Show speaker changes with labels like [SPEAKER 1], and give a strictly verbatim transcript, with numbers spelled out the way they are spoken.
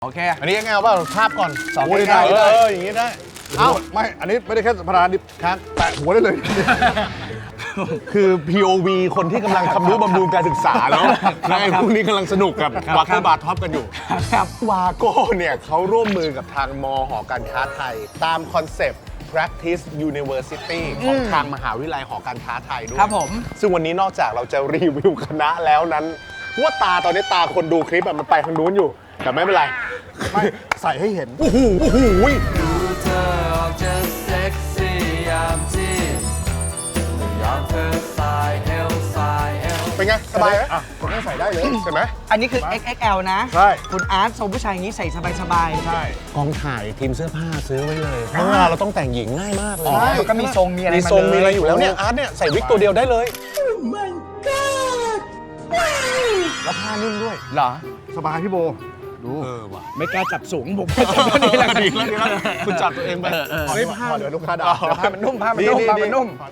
[SPEAKER 1] โอเค
[SPEAKER 2] อันนี้ยังไงเอาเปล่าภาพก่อน
[SPEAKER 1] สอง
[SPEAKER 2] โอ้ย
[SPEAKER 1] ได้
[SPEAKER 2] ได้
[SPEAKER 1] ได้
[SPEAKER 2] เอออย่างนี้ได้
[SPEAKER 3] เอ้าไม่อันนี้ไม่ได้แค่พาราดิครับแตะหัวได้เลย
[SPEAKER 2] คือ พี โอ วี คนที่กำลังทำนุบำรุงการศึกษาแล้วแล้วไอ้พวกนี้กำลังสนุกกับวาโก้บาร์ท็อปกันอยู่
[SPEAKER 1] ครับ
[SPEAKER 2] วาโก้เนี่ยเขาร่วมมือกับทางมหอการค้าไทย ตามคอนเซปต์ practice university ของทางมหาวิทยาลัยหอการค้าไทยด้วย
[SPEAKER 1] ครับผม
[SPEAKER 2] ซึ่งวันนี้นอกจากเราจะรีวิวคณะแล้วนั้นว่าตาตอนนี้ตาคนดูคลิปอะมันไปทางนู้นอยู่ แต่ไม่เป็นไร
[SPEAKER 3] ไม่ใส่ให้เห็น
[SPEAKER 2] โอ้โหโอ้โห
[SPEAKER 4] ดูเธอออกจะเซ็กซี่ยามที่ยามเธอสายเอวสายเอว
[SPEAKER 2] เป็นไง สบายไหม
[SPEAKER 3] อ่ะผมก็ใส่ได้เลย
[SPEAKER 2] ใช่ไหม
[SPEAKER 1] อันนี้คือ เอ็กซ์ เอ็กซ์ แอล นะ
[SPEAKER 3] ใช่
[SPEAKER 1] คุณอาร์ตทรงผู้ชายอย่างนี้ใส่สบายๆ
[SPEAKER 3] ใช่
[SPEAKER 2] กองถ่ายทีมเสื้อผ้าซื้อไว้เลยเพราะว่าเราต้องแต่งหญิงง่ายมากเลย
[SPEAKER 1] อ๋อก็มีทรงมีอะไร
[SPEAKER 2] มี
[SPEAKER 1] มา
[SPEAKER 2] ทรง
[SPEAKER 1] เลย
[SPEAKER 2] มีอะไรอยู่แล้วเนี่ยอาร์ตเนี่ยใส่วิกตัวเดียวได้เลย
[SPEAKER 3] แล้วผ้านิ่มด้วย
[SPEAKER 1] เหรอ
[SPEAKER 3] สบายพี่โบ ดู
[SPEAKER 2] เออว่ะ
[SPEAKER 1] ไม่กล้าจับสูงผมก็จับตัวนี้แหละ
[SPEAKER 2] ดีแล้วดีแล้วคุณจับตัวเองไป
[SPEAKER 3] ขอให้ผ้าเดี๋ยวลูกค้าด่า
[SPEAKER 1] ผ้ามันนุ่มผ้ามันนุ่มผ้ามันนุ่ม